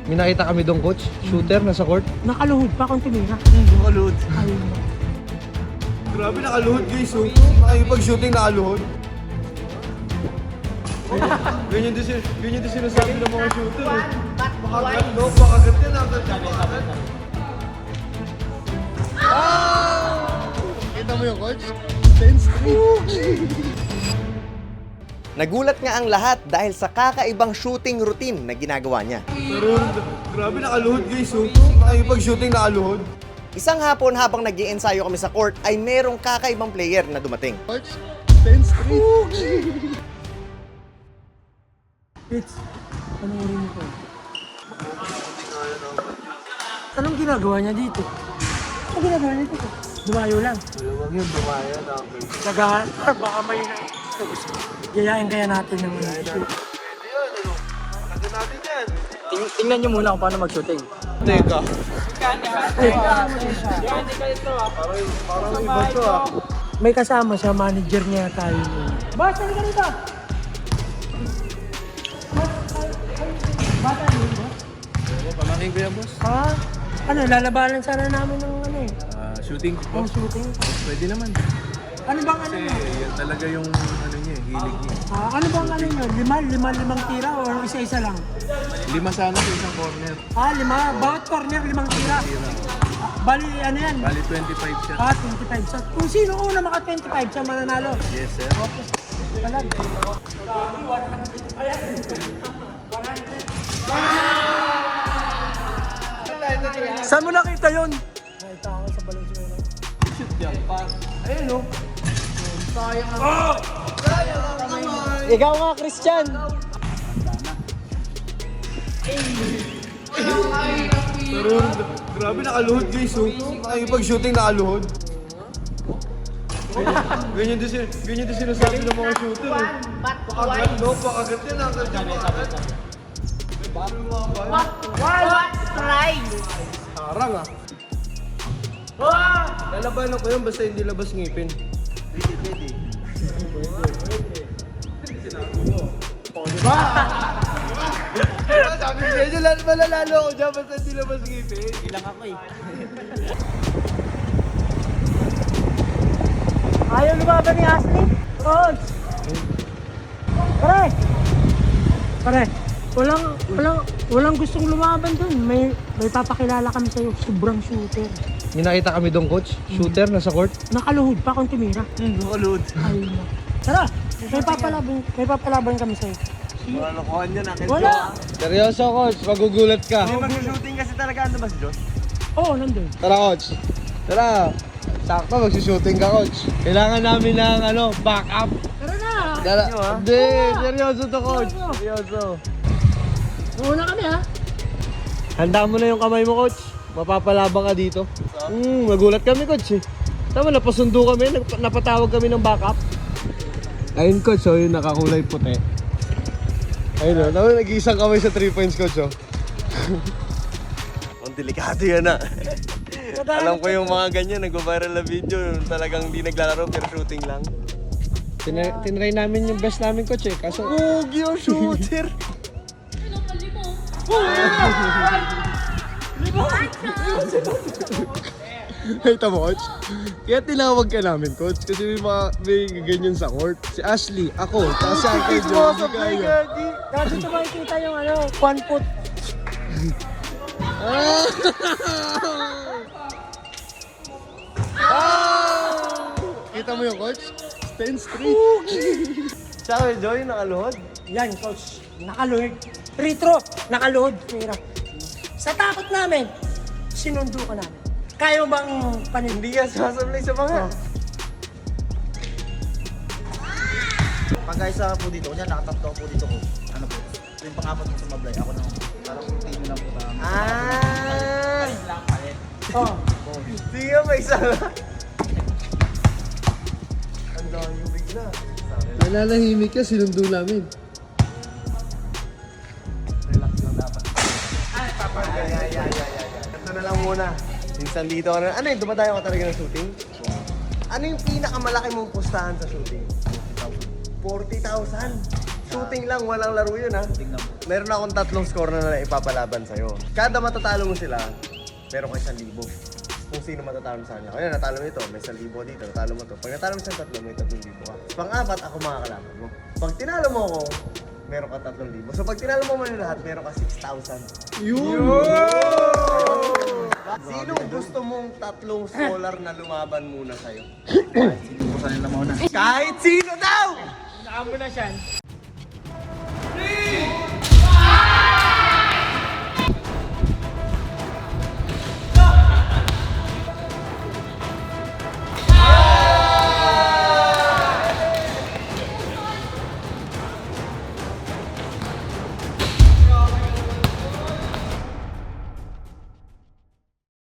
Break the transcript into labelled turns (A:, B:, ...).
A: May nakita kami doon, coach. Shooter, nasa court.
B: Nakaluhod pa kung tumira.
C: Nakaluhod.
B: Ayun na.
C: Grabe nakaluhod guys, oh. Nakipag-shooting nakaluhod. Ganyan din sinasabi ng mga shooter, eh. Makagat, no? Makagat yan, makagat.
A: Kita mo yung coach? 10 straight.
D: Nagulat nga ang lahat dahil sa kakaibang shooting routine na ginagawa niya.
C: Pero grabe nakaluhod guys, oh. Nakipag-shooting nakaluhod.
D: Isang hapon habang nag-iensayo kami sa court ay merong kakaibang player na dumating.
A: Coach, 10 straight.
B: It's, panoorin mo ko. Anong ginagawa niya dito? Anong ginagawa niya dito? Dumayo lang.
C: Huwag yun, dumayan.
B: Nagahan, baka may gayahin kaya natin ng
C: Pwede yun, ano? Lagyan natin yan.
B: Tingnan niyo muna kung paano mag-shooting.
C: Teka. Parang iba to, ah.
B: May kasama siya, manager niya tayo. Boss, halika rito! Bata rin, boss?
C: Pamangkin ko yan, boss.
B: Ha? Ano, lalabanan sana namin ng ano eh.
C: Shooting
B: Ang shooting.
C: Pwede naman.
B: Ano bang ano nyo?
C: Yan talaga yung ano niya, hilig niya.
B: Ano bang ano nyo? Limang tira o isa-isa lang?
C: 5 sana sa isang corner.
B: 5. Bawat corner, 5 tira. Bali, ano yan?
C: Bali 25 siya.
B: 25 siya. Kung sino una maka 25 siya mananalo.
C: Yes, sir.
B: Okay. Talag.
C: Saan mo nakita yun?
B: Nakita ako sa Valenzuela.
C: Shoot yan, pa. Ayun, oh.
B: Ikaw nga, Christian.
C: Pero grabe nakaluhod guys, oh. Nakipag-shooting nakaluhod. Ganyan din sinasabi ng mga shooter, eh. Makagat, no? Makagat yan, makagat.
E: What price?
C: Harang, ah. Lalabanan ko yun basta hindi labas ngipin. Pwede. Sabi ko medyo malalalo ako dyan basta hindi labas ngipin. Ilang ako eh.
B: Ayaw lumaban ni Ashley? Coach! Pare! Walang gustong lumaban dun. May papakilala kami sa'yo. Sobrang shooter.
A: May nakita kami doon, coach. Shooter, nasa court.
B: Nakaluhod pa kung tumira.
C: Nakaluhod.
B: Ayun na. Tara! May papalaban kami sa'yo.
C: Wala lokohan yun, akin.
B: Wala!
A: Seryoso, coach. Magugulat ka.
C: May mag-shooting kasi talaga, ano ba si Josh?
B: Oo, nandun.
A: Tara, coach. Tara. Sakto, magsushooting ka, coach. Kailangan namin ng, backup.
B: Tara na!
A: Tara. Hindi, seryoso to, coach. Seryoso.
B: Una kami ha!
A: Handa mo na yung kamay mo, coach. Mapapalabang ka dito. Nagulat kami, coach, eh. Tama, napasundo kami, napatawag kami ng backup. Ayun, coach, oh, yung nakakulay puti. Ayun, oh, nag-iisang kamay sa 3 points, coach, oh.
D: Ang delikado yan ah. Alam ko yung mga ganyan, nag-viral na video, talagang di naglalaro pero shooting lang.
A: Tinry namin yung best namin, coach, eh. Kaso,
D: Pogi yung shooter!
A: hey, tamo, coach. Kaya tinawag ka namin, coach. Kasi may ganyan sa court. Si Ashley, ako, tapos si Uncle Joe. Hindi kaya.
B: Dito makikita yung 1 foot.
A: Kita mo yung coach? 10 straight.
D: Sabi, Joy, nakaluhod?
B: Yan, coach. Nakaluhod. Free throw. Nakaluhod. Tira. Sa takot namin, sinundo ka namin. Kaya mo bang panin?
D: Hindi ka sasablay sa mga.
F: Pag guys po dito, kunya nakatatlo po dito ko. Ano po? Yung pang-apat ko sumablay, ako na parang routine lang po na.
D: Ah!
F: Lang palit.
B: Oh.
D: Hindi ka may isa lang. Ang dami yung bigla.
A: Nananahimik ka, sinundo namin.
D: Relax lang dapat. Ito na lang muna. Minsan dito ka na. Ano yun? Dumadayo ka talaga ng shooting? Ano yung pinakamalaki mong pustahan sa shooting? 40,000. Shooting lang, walang laro yun ha?
F: Tingnan mo.
D: meron akong 3 score na ipapalaban sa'yo. Kada matatalo mo sila, meron ka 1,000. Kung sino matatalo sa kanya. Kaya natalo mo ito, may 1,000 dito, natalo mo ito. Pag natalo mo sa 3, may 3,000 ka. Pang-4, ako makakalaban mo. Pag tinalo mo ako, meron ka 3,000. So pag tinalo mo man lahat, meron ka 6,000. Sinong gusto mong 3 scholar na lumaban muna sa'yo?
F: Sino po sa nila muna?
D: Kahit sino daw!
B: Saan mo na siya?